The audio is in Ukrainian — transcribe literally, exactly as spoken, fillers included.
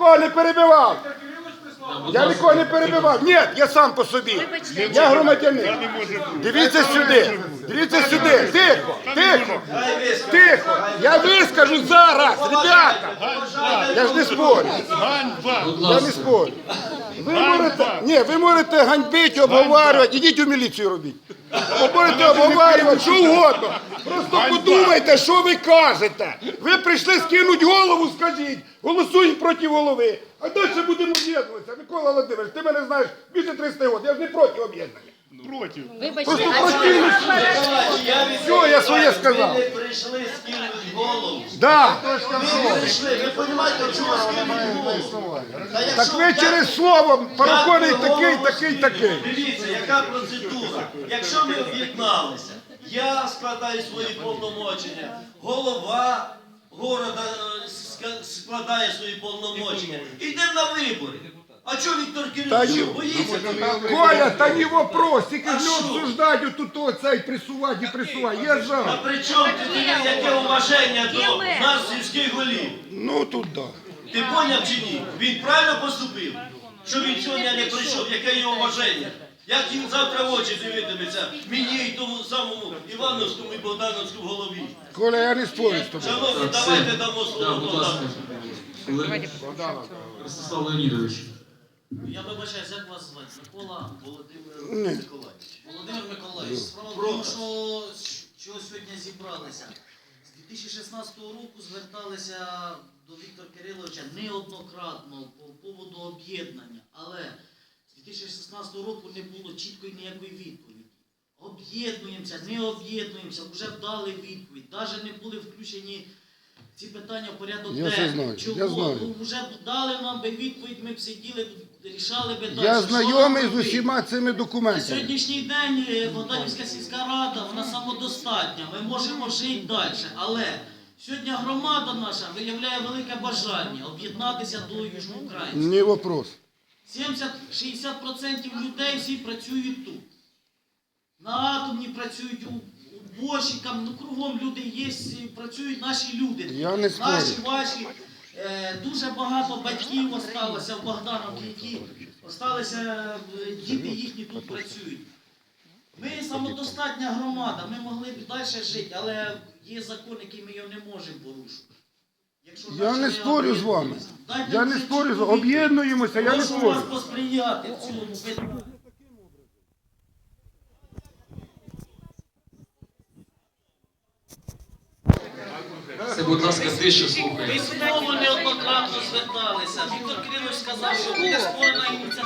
нікого не перебивав. Я нікого не перебивав. Ні, я сам по собі. Я громадянин. Дивіться сюди. Дивіться сюди. Тихо, тихо, тихо. Я вискажу зараз, ребята. Я ж не спорю. Я не спорю. Ви можете, ні, ви можете ганьбити, обговорювати. Ідіть у міліцію робіть. Ви можете обговорювати, що угодно. Просто подумайте, що ви кажете. Ви прийшли скинути голову, скажіть. Голосуємо проти голови. А далі будемо об'єднуватися. Микола Володимирович, ти мене знаєш більше тридцять років. Я ж не проти об'єднання. Проти. Просто проти. Все, я своє сказав. Ви не прийшли скинути голову. Да. Ви не прийшли. Ви розумієте, чого скинути голову? Так ви через слово переконаний такий, такий, такий. Дивіться, яка процедура. Якщо ми об'єдналися, я складаю свої повномочення, голова города складає свої повномочення. Йдемо на вибори. А чого Віктор Кирилович боїться? Коля, та не вопрос, тільки ж не обсуждають тут оцей присувати і присувати. Я А за. при чому тоді яке уваження до нас, сільських голів? Ну тут да. Ти поняв чи ні? Він правильно поступив? Що він сьогодні не прийшов? Яке його уваження? Як він завтра в очі дивитиметься мені і тому самому Івановському і Богдановському голові? Коля, я не спорю з тобою. Шановні, давайте дамо слово Богдановському. Ростислав Леонідович. Я вибачаюсь, як вас звати? Микола Володимир Миколаївич. Володимир Миколаївич, справа в тому, що чого сьогодні зібралися. З дві тисячі шістнадцятого року зверталися до Віктора Кириловича неоднократно по поводу об'єднання, але з дві тисячі шістнадцятого року не було чіткої ніякої відповіді. Об'єднуємося, не об'єднуємося, вже дали відповідь, навіть не були включені ці питання в порядок Я це знаю, Чого? я знаю. Ну, вже дали нам би відповідь, ми б сиділи, рішали би далі. Я Що знайомий нам з робити? усіма цими На документами. сьогоднішній день е, Богданівська сільська рада, вона самодостатня, ми можемо жити далі. Але сьогодні громада наша виявляє велике бажання об'єднатися до Южноукраїнська. Не вопрос. сімдесят-шістдесят відсотків людей всі працюють тут. На атомні працюють, у уборщикам, ну кругом люди є, працюють наші люди. Я не спорю. Наші, ваші. Е, дуже багато батьків осталося в Богдановці, які осталися, е, діти їхні тут працюють. Ми самодостатня громада, ми могли б далі жити, але є закон, який ми його не можемо порушити. Якщо Я наші не спорю з вами. об'єднуються, дайте Я не це спорю з чітко вами. відповідь. Об'єднуємося, я не Прошу спорю. вас посприяти в цьому питанні. Це, будь ласка, тише Ми слухайте. знову неоднократно зверталися. Віктор Кирилович сказав, що буде створена ініціативна